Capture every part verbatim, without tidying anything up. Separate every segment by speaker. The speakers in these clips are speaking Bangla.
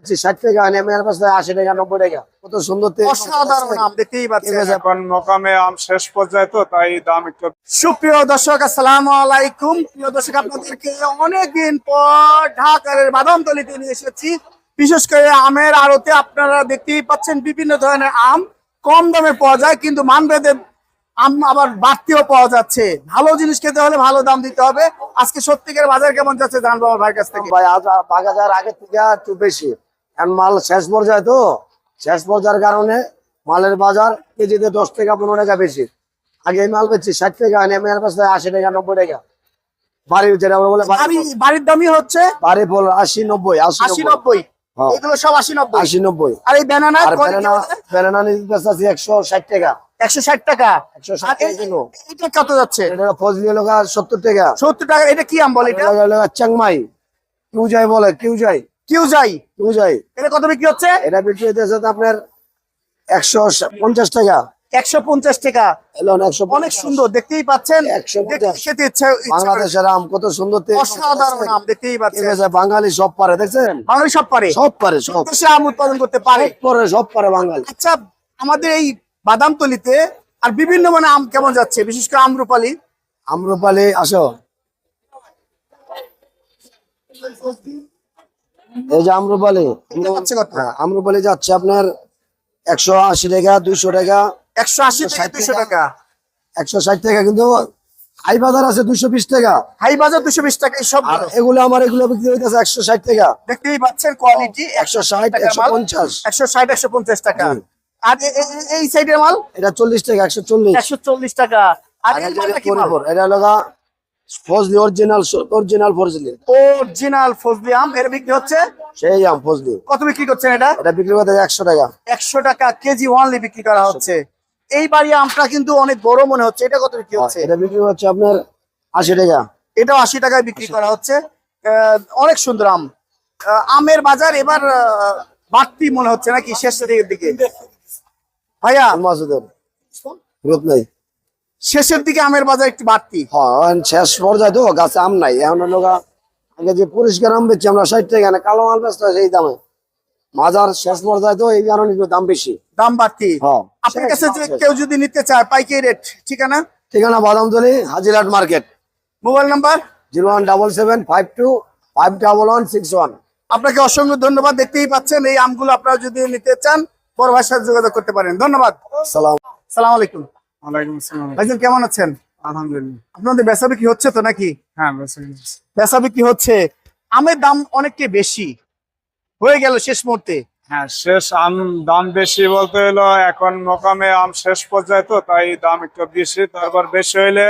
Speaker 1: ষাট টাকা নেমের পাশে আশি টাকা নব্বই টাকা কত সুন্দর
Speaker 2: অসাধারণ আম দেখতেই পাচ্ছেন।
Speaker 3: এখন মোকামে আম শেষ পর্যায়ে তো তাই দাম একটু।
Speaker 2: সুপ্রিয় দর্শক আসসালামু আলাইকুম। প্রিয় দর্শক আপনাদেরকে অনেকদিন পর ঢাকার বাদামতলিতে নিয়ে এসেছি। বিশেষ করে আমের আড়তে আপনারা দেখতেই পাচ্ছেন বিভিন্ন ধরনের আম কম দামে পাওয়া যায়, কিন্তু মানভেদে আম আবার বাড়তিও পাওয়া যাচ্ছে। ভালো জিনিস খেতে হলে ভালো দাম দিতে হবে। আজকে সত্যিকার বাজার কেমন যাচ্ছে জানবো আমার ভাইয়ের কাছ থেকে।
Speaker 1: ভাই বাজার আগের থেকে একটু বেশি, এখন মাল শেষ পর্যায়ে তো শেষ পর্যায়ের কারণে মালের বাজার কেজিতে দশ টাকা পনেরো টাকা বেশি। আগে এই মাল বেচছি ষাট টাকা নেমের পাশে আশি টাকা নব্বই টাকা। বাড়ির যেটা বলে
Speaker 2: বাড়ির দামই হচ্ছে
Speaker 1: বাড়ি ফল আশি নব্বই
Speaker 2: আশি নব্বই এগুলো সব আশি নব্বই
Speaker 1: আশি নব্বই।
Speaker 2: আর এই ব্যানানা
Speaker 1: ব্যানানা বেচতেছি একশো ষাট টাকা
Speaker 2: একশো ষাট টাকা
Speaker 1: একশো ষাট টাকা কিলো।
Speaker 2: এটা কত যাচ্ছে?
Speaker 1: এটা ফজলি হলো সত্তর টাকা
Speaker 2: সত্তর টাকা। এটা কি আম বলে? এটা
Speaker 1: চাংমাই কিউ যাই বলে কিউ যাই
Speaker 2: কিউ যাই
Speaker 1: কিউ যাই।
Speaker 2: এটা কত বিক্রি হচ্ছে?
Speaker 1: এটা বিক্রি হইতেছে আপনার একশো পঞ্চাশ টাকা
Speaker 2: একশো পঞ্চাশ টাকা।
Speaker 1: একশো
Speaker 2: অনেক সুন্দর দেখতেই পাচ্ছেন।
Speaker 1: একশো
Speaker 2: খেতে ইচ্ছা
Speaker 1: বাংলাদেশের আম কত সুন্দর
Speaker 2: অসাধারণ আম দেখতেই পাচ্ছেন।
Speaker 1: বাঙালি সব পারে দেখছেন,
Speaker 2: বাঙালি সব পারে
Speaker 1: সব পারে সব
Speaker 2: দেশে আম উৎপাদন করতে পারে
Speaker 1: পরে সব পারে বাঙালি।
Speaker 2: আচ্ছা, আমাদের এই বাদামতলিতে আর বিভিন্ন মানে আম কেমন যাচ্ছে, বিশেষ করে আম্রপালি?
Speaker 1: আম্রপালি আসো, এই যে আম্রপালি হ্যাঁ আম্রপালি যাচ্ছে আপনার একশো আশি টাকা দুইশো টাকা
Speaker 2: একশো আশি টাকা দুইশো টাকা
Speaker 1: একশো ষাট টাকা, কিন্তু হাই বাজার আছে দুইশো বিশ টাকা।
Speaker 2: হাই বাজার দুইশো বিশ টাকা। এই সব
Speaker 1: এগুলো আমার এগুলো বিক্রি হইতেছে একশো ষাট টাকা।
Speaker 2: দেখতেই পাচ্ছেন কোয়ালিটি
Speaker 1: একশো ষাট একশো পঞ্চাশ
Speaker 2: একশো ষাট একশো পঞ্চাশ টাকা। আর এই সাইডের মাল
Speaker 1: এটা চল্লিশ টাকা একশো চল্লিশ
Speaker 2: একশো চল্লিশ টাকা। আর
Speaker 1: এটা লগা Fazli original original Fazli
Speaker 2: original Fazli আম এর বিক্রি হচ্ছে
Speaker 1: সেই আম ফজলি।
Speaker 2: কত বিক্রি করছেন এটা?
Speaker 1: এটা বিক্রি করতে একশো টাকা
Speaker 2: একশো টাকা কেজি ওয়ানলি বিক্রি করা হচ্ছে। এই বাড়ি আমটা কিন্তু অনেক বড় মনে হচ্ছে। এটা কত বিক্রি হচ্ছে?
Speaker 1: এটা বিক্রি হচ্ছে আপনার আশি টাকা।
Speaker 2: এটাও আশি টাকায় বিক্রি করা হচ্ছে। অনেক সুন্দর আম। আমের বাজার এবার বাড়তি মনে হচ্ছে নাকি শেষের দিকে ভাইয়া?
Speaker 1: মাসুদের গ্রুপ নাই,
Speaker 2: শেষের দিকে আমের বাজার একটু বাড়তি।
Speaker 1: হ্যাঁ শেষ পর্যায়ে তো গাছে আম নাই এখন লোক। আগে যে পরিষ্কার আম বেচছি আমরা ষাট টাকা, না কালো আম বেচতে সেই দামে। বাজার শেষ পর্যায়ে তো এই কারণে দাম বেশি,
Speaker 2: দাম বাড়তি।
Speaker 1: হ্যাঁ
Speaker 2: আপনার কাছে যে কেউ যদি নিতে চায় পাইকারি রেট, ঠিকানা?
Speaker 1: ঠিকানা Badamtali Hajirhat market.
Speaker 2: Mobile number
Speaker 1: zero one double seven five two five double one six one.
Speaker 2: আপনাকে অসংখ্য ধন্যবাদ। দেখতেই পাচ্ছেন এই আমগুলো আপনারা যদি নিতে চান বড় ভাইয়ের সাথে যোগাযোগ করতে পারেন। ধন্যবাদ।
Speaker 1: সালাম
Speaker 2: সালাম আলাইকুম।
Speaker 3: ওয়ালাইকুম আসসালাম।
Speaker 2: ভাইজান কেমন আছেন?
Speaker 3: আলহামদুলিল্লাহ।
Speaker 2: আপনাদের বেচা বিক্রি হচ্ছে তো নাকি?
Speaker 3: হ্যাঁ বেচা কিনা।
Speaker 2: বেচা বিক্রি হচ্ছে। আমের দাম অনেকটাই বেশি হয়ে গেল শেষ মুহূর্তে।
Speaker 3: হ্যাঁ শেষ আম দাম বেশি বলতে হলো এখন মোকামে আম শেষ পর্যায়ে তো তাই দাম একটু বেশি। তারপর বেশি হইলে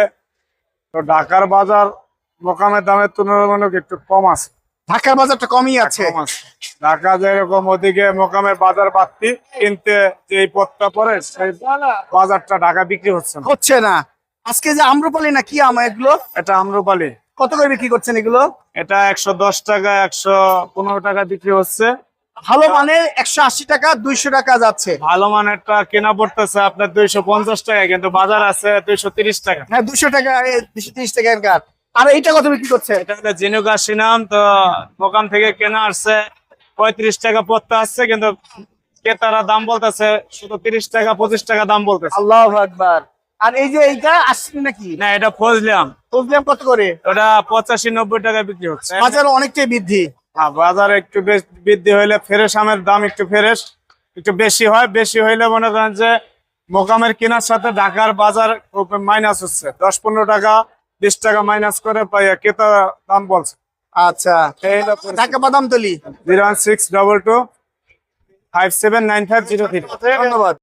Speaker 3: তো ঢাকার বাজার মোকামের দামের তুলনামূলক একটু কম আছে।
Speaker 2: ঢাকার বাজারটা কমই আছে।
Speaker 3: কম আছে। ঢাকা যেরকম ওদিকে মোকামের বাজার বাড়তি, কিনতে যে পথটা পড়ে সেই বাজারটা ঢাকা বিক্রি হচ্ছে না
Speaker 2: হচ্ছে না। আজকে যে আম্রপালি না কি আম এগুলো?
Speaker 3: এটা আম্রপালি।
Speaker 2: কত করে বিক্রি করছেন এগুলো?
Speaker 3: এটা একশো দশ টাকা একশো পনেরো টাকা বিক্রি হচ্ছে।
Speaker 2: ভালো মানের একশো আশি টাকা দুইশো টাকা যাচ্ছে।
Speaker 3: ভালো মানেরটা কেনা পড়তেছে আপনার দুইশো পঞ্চাশ টাকা, কিন্তু বাজার আছে দুইশো তিরিশ টাকা।
Speaker 2: হ্যাঁ দুশো টাকা দুশো তিরিশ টাকা এনকার। আর এইটা কত বিক্রি করছে?
Speaker 3: এটা হলো জিনুকা সিনাম, তো দোকান থেকে কেনা আসছে পঁয়ত্রিশ টাকা পড়তে আসছে, কিন্তু ক্রেতারা দাম বলতেছে শুধু তিরিশ টাকা পঁচিশ টাকা দাম বলতেছে।
Speaker 2: আল্লাহু আকবার। আর এই যে এইটা আসছে নাকি?
Speaker 3: না এটা ফজলিয়াম।
Speaker 2: ফজলিয়াম কত করে?
Speaker 3: ওটা পঁচাশি নব্বই টাকা বিক্রি হচ্ছে।
Speaker 2: বাজার অনেকটাই বৃদ্ধি।
Speaker 3: হ্যাঁ বাজার একটু বৃদ্ধি হইলে ফ্রেশ আমের দাম একটু ফ্রেশ একটু বেশি হয়। বেশি হইলে মনে করেন যে মোকামের কেনার সাথে ঢাকার বাজার মাইনাস হচ্ছে, দশ পনেরো টাকা বিশ টাকা মাইনাস করে ক্রেতা দাম বলছে।
Speaker 2: আচ্ছা, Dhaka Badamtali
Speaker 3: zero one six double two five seven nine five zero three.
Speaker 2: ধন্যবাদ।